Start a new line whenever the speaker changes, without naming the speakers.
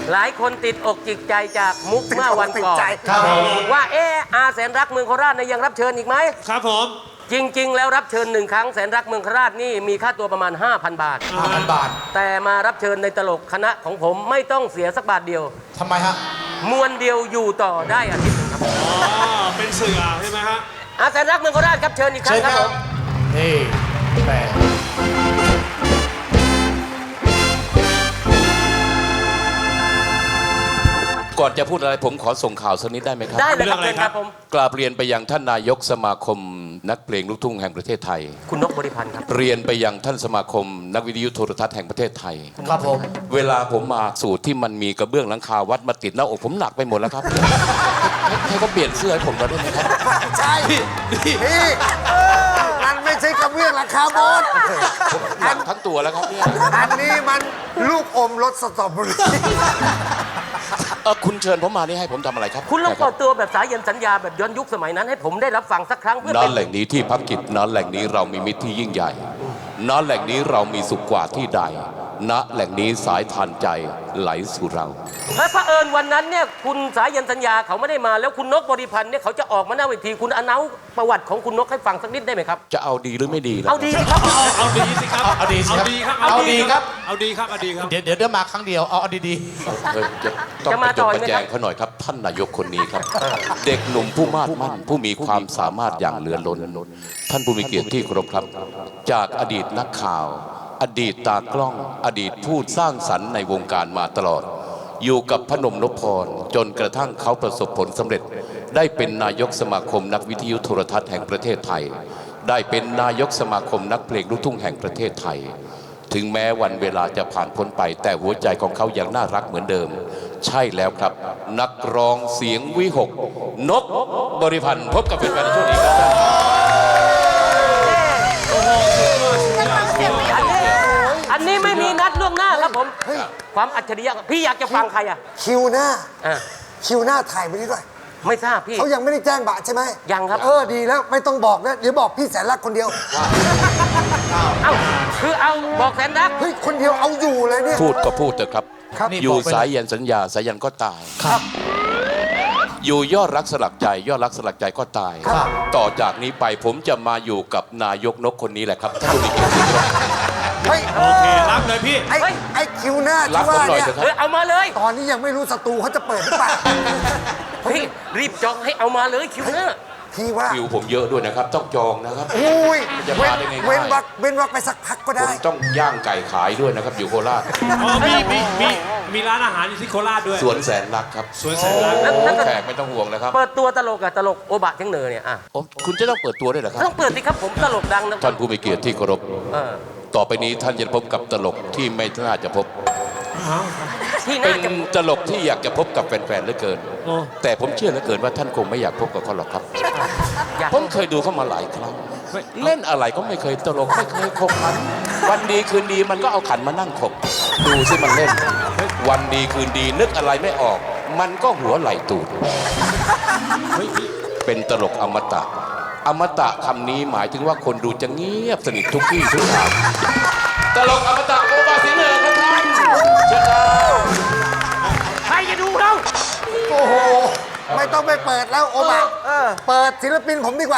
หลายคนติดอกจิตใจจากมุกเมื่อวันก่อนว่าอาแสนรักเมืองโคราชยังรับเชิญอีกไหม
ครับผม
จริงๆแล้วรับเชิญ1 ครั้งแสนรักเมืองโคราชนี่มีค่าตัวประมาณ 5,000 บาท
5,000 บาท
แต่มารับเชิญในตลกคณะของผมไม่ต้องเสียสักบาทเดียว
ทำไมฮะ
มวนเดียวอยู่ต่อได้อาทิตย์ครับ
เป็นเสือใช่ไหมฮะ
อาแสนรักเมืองโคราชครับเชิญอีกครั้งครับผม
นี่แปล
ก่อนจะพูดอะไรผมขอส่งข่าวสักนิดได้ไหมครับ
ได้เลยครับเชิญครับผม
กราบเรียนไปยังท่านนายกสมาคมนักเพลงลูกทุ่งแห่งประเทศไทย
คุณนกบริพันธ์ครับ
เรียนไปยังท่านสมาคมนักวิทยุโทรทัศน์แห่งประเทศไทย
ครับผม
เวลาผมมาสูตรที่มันมีกระเบื้องหลังคาวัดมาติดหน้าอกผมหนักไปหมดแล้วครับให้เขาเปลี่ยนเสื้อให้ผมมาได้ไหมครับ
ใช่พี่มันไม่ใช่กระเบื้องหลังคาโบส
หนักทั้งตัวแล้วครับเนี่ย
อันนี้มันลูกอมรสสตรอเบอรี่
คุณเชิญผมมานี่ให้ผมทำอะไรครับ
คุณลองเปิดตัวแบบสายันสัญญาแบบย้อนยุคสมัยนั้นให้ผมได้รับฟังสักครั้งเพื่อ
ณแหล่งนี้ที่พักกิจณแหล่งนี้เรามีมิตรที่ยิ่งใหญ่ณแหล่งนี้เรามีสุขกว่าที่ใดณแหล่งนี้สายทานใจไหลสู่เรา
และเผอิญวันนั้นเนี่ยคุณสายันสัญญาเขาไม่ได้มาแล้วคุณนกบริพันธ์เนี่ยเขาจะออกมาหน้าเวทีคุณอนาประวัติของคุณนกให้ฟังสักนิดได้ไหมครับ
จะเอาดีหรือไม่ดี
เอาดีสิครับ
เอาดีสิครับ
เอาดีครับ
เอาดีครับเอาดีครับเอาดีครับ
เดี๋ยวมาครั้งเดียวเอาดี
ต้องมาต่อยแจงเขาหน่อยครับท่านนายกคนนี้ครับเด็กหนุ่มผู้มาดมั่นผู้มีความสามารถอย่างเหลือล้นท่านผู้มีเกียรติที่เคารพครับจากอดีตนักข่าวอดีตตากล้องอดีตผู้สร้างสรรค์ในวงการมาตลอดอยู่กับพนมนพพรจนกระทั่งเขาประสบผลสำเร็จได้เป็นนายกสมาคมนักวิทยุโทรทัศน์แห่งประเทศไทยได้เป็นนายกสมาคมนักเพลงลูกทุ่งแห่งประเทศไทยถึงแม้วันเวลาจะผ่านพ้นไปแต่หัวใจของเขายังน่ารักเหมือนเดิมใช่แล้วครับนักร้องเสียงวิหกนกบริพันธ์พบกับแฟนๆในช่วงนี้ครับ
อันนี้ไม่มีนัดล่วงหน้าครับผมความอัจฉริยะพี่อยากจะฟังใครอ่ะ
คิวหน้าถ่ายไปนี่ด้วย
ไม่ทราบพี่
เขายังไม่ได้แจ้งบะใช่ไหม
ยังครับ
ดีแล้วไม่ต้องบอกนะเดี๋ยวบอกพี่แสนรักคนเดียว
คือเอาบอกแสนรัก
เฮ้ยคนเดียวเอาอยู่เลยเนี่ย
พูดก็พูดเถอะครับอยู่สายยันสัญญาสายยันก็ตาย
ครับ
อยู่ยอดรักสลักใจยอดรักสลักใจก็ตายต่อจากนี้ไปผมจะมาอยู่กับนายกนกคนนี้แหละครับท่านผู้มีเกียรติ
โอเครับเลยพี่
ไอ้คิวหน้าที่ว่าเนี่ย
เอามาเลย
ตอนนี้ยังไม่รู้ศัตรูเขาจะเปิดหรือเปล่า
พี่รีบจองให้เอามาเลยคิวหน้า
พี่ว่า
คิวผมเยอะด้วยนะครับต้องจองนะครับ
จะมาได้ไงเว้นวักไปสักพักก็ได้
ผมต้องย่างไก่ขายด้วยนะครับอยู่โคราช
มีร้านอาหารอยู่ที่โคราชด้วย
สวนแสนรักครับ
สวนแสนรัก
แขกไม่ต้องห่วงนะครับ
เปิดตัวตลกกับตลกโอบะเทียงเหนือเนี่ย
คุณจะต้องเปิดตัวด้วยเหรอครับ
ต้องเปิดสิครับผมตลกดังนะ
ท่านผู้มีเกียรติที่เคารพต่อไปนี้ท่านจะพบกับตลกที่ไม่น่าจะพบเป็นตลกที่อยากจะพบกับแฟนๆเหลือเกินแต่ผมเชื่อเหลือเกินว่าท่านคงไม่อยากพบกับเขาหรอกครับผมเคยดูเขามาหลายครั้งเล่นอะไรก็ไม่เคยตลกไม่เคยขบขันวันดีคืนดีมันก็เอาขันมานั่งขบดูสิมันเล่นวันดีคืนดีนึกอะไรไม่ออกมันก็หัวไหลตูดเป็นตลกอมตะอมตะคำนี้หมายถึงว่าคนดูจะเงียบสนิททุกที่ทุกทางตลกอมตะโอบาสิเนอร์ครับท่านเชิญครับ
ใครจะดูเรา
โอ้โหไม่ต้องไปเปิดแล้วโอบาเปิดศิลปินผมดีกว่า